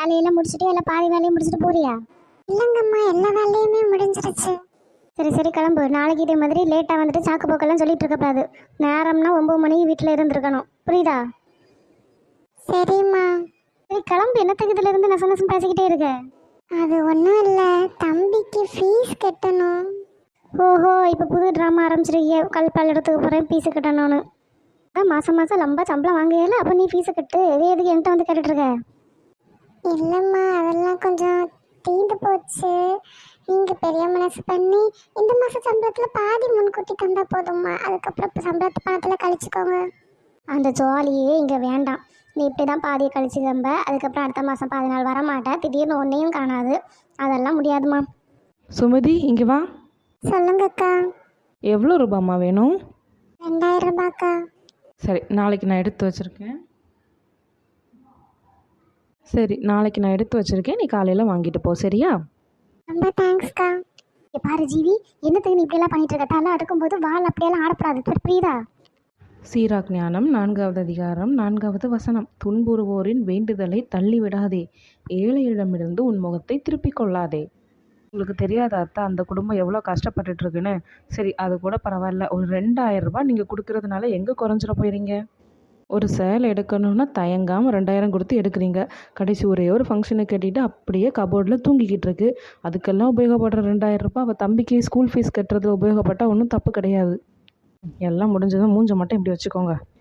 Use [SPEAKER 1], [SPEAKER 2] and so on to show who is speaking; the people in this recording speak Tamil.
[SPEAKER 1] வேலையெல்லாம் முடிச்சுட்டு இல்லை பாதி வேலையை முடிச்சுட்டு போறியா?
[SPEAKER 2] இல்லைங்கம்மா, எல்லா வேலையுமே முடிஞ்சிருச்சு.
[SPEAKER 1] சரி சரி கிளம்பு. நாளைக்கு இதே மாதிரி லேட்டாக வந்துட்டு சாக்கு போக்கெல்லாம் சொல்லிட்டு இருக்கக்கூடாது. நேரம்னா 9 மணிக்கு வீட்டில் இருந்திருக்கணும், புரியுதா?
[SPEAKER 2] சரிம்மா.
[SPEAKER 1] சரி கிளம்பு. என்னத்துக்கு இதுல இருந்து நச நசம் பேசிக்கிட்டே இருக்க?
[SPEAKER 2] அது ஒன்றும் இல்லை, தம்பிக்கு ஃபீஸ் கட்டணும்.
[SPEAKER 1] ஓஹோ, இப்போ புது ட்ராமா ஆரம்பிச்சிருக்கீங்க. கல்பால் இடத்துக்கு போகிறேன் ஃபீஸு கட்டணும்னு. அதான் மாதம் மாதம் லம்பா சம்பளம் வாங்குகல, அப்போ நீ ஃபீஸை கட்டு. இதே எதுக்கு என்கிட்ட வந்து கேட்டுட்ருக்க?
[SPEAKER 2] இல்லைம்மா, அதெல்லாம் கொஞ்சம் தீந்து போச்சு. நீங்கள் பெரிய மனசு பண்ணி இந்த மாதம் சம்பளத்தில் பாதி முன்கூட்டி தந்தால் போதும்மா. அதுக்கப்புறம் சம்பளத்தை பணத்தில் கழிச்சுக்கோங்க.
[SPEAKER 1] அந்த ஜாலியே இங்கே வேண்டாம். நீ இப்படி தான் பாதியை கழிச்சு தம்ப, அதுக்கப்புறம் அடுத்த மாதம் பாதி நாள் வரமாட்டேன், திடீர்னு ஒன்றையும் காணாது. அதெல்லாம் முடியாதுமா.
[SPEAKER 3] சுமதி, இங்கே வா.
[SPEAKER 2] சொல்லுங்கக்கா.
[SPEAKER 3] எவ்வளோ ரூபாம்மா வேணும்?
[SPEAKER 2] 2000 ரூபாய்க்கா.
[SPEAKER 3] சரி, நாளைக்கு நான் எடுத்து வச்சுருக்கேன். நீ காலையில் வாங்கிட்டு போ, சரியா?
[SPEAKER 2] ரொம்ப தேங்க்ஸ்க்கா.
[SPEAKER 1] பாரு ஜீவி, என்னத்துக்கு நீ இப்படியெல்லாம் பண்ணிட்டு இருக்க? தலை அடுக்கும்போது வால் அப்படியெல்லாம் ஆடப்படாது, புரியுதா?
[SPEAKER 3] சீராக் ஞானம் 4வது அதிகாரம் 4வது வசனம். துன்புறுவோரின் வேண்டுதலை தள்ளிவிடாதே, ஏழையிடமிருந்து உன் முகத்தை திருப்பிக் கொள்ளாதே. உங்களுக்கு தெரியாத அத்தா, அந்த குடும்பம் எவ்வளோ கஷ்டப்பட்டுட்ருக்குன்னு. சரி, அது கூட பரவாயில்ல. ஒரு 2000 ரூபாய் நீங்கள் கொடுக்கறதுனால எங்கே குறைஞ்சிட போயிறீங்க? ஒரு சேலை எடுக்கணும்னா தயங்காமல் 2000 கொடுத்து எடுக்கிறீங்க. கடைசி ஒரே ஒரு ஃபங்க்ஷனுக்கு கட்டிட்டு அப்படியே கபோர்டில் தூங்கிக்கிட்டு இருக்கு. அதுக்கெல்லாம் உபயோகப்படுற 2000 ரூபாய் அவள் தம்பிக்கு ஸ்கூல் ஃபீஸ் கட்டுறது உபயோகப்பட்டால் ஒன்றும் தப்பு கிடையாது. எல்லாம் முடிஞ்சதும் மூஞ்ச மட்டும் இப்படி வச்சுக்கோங்க.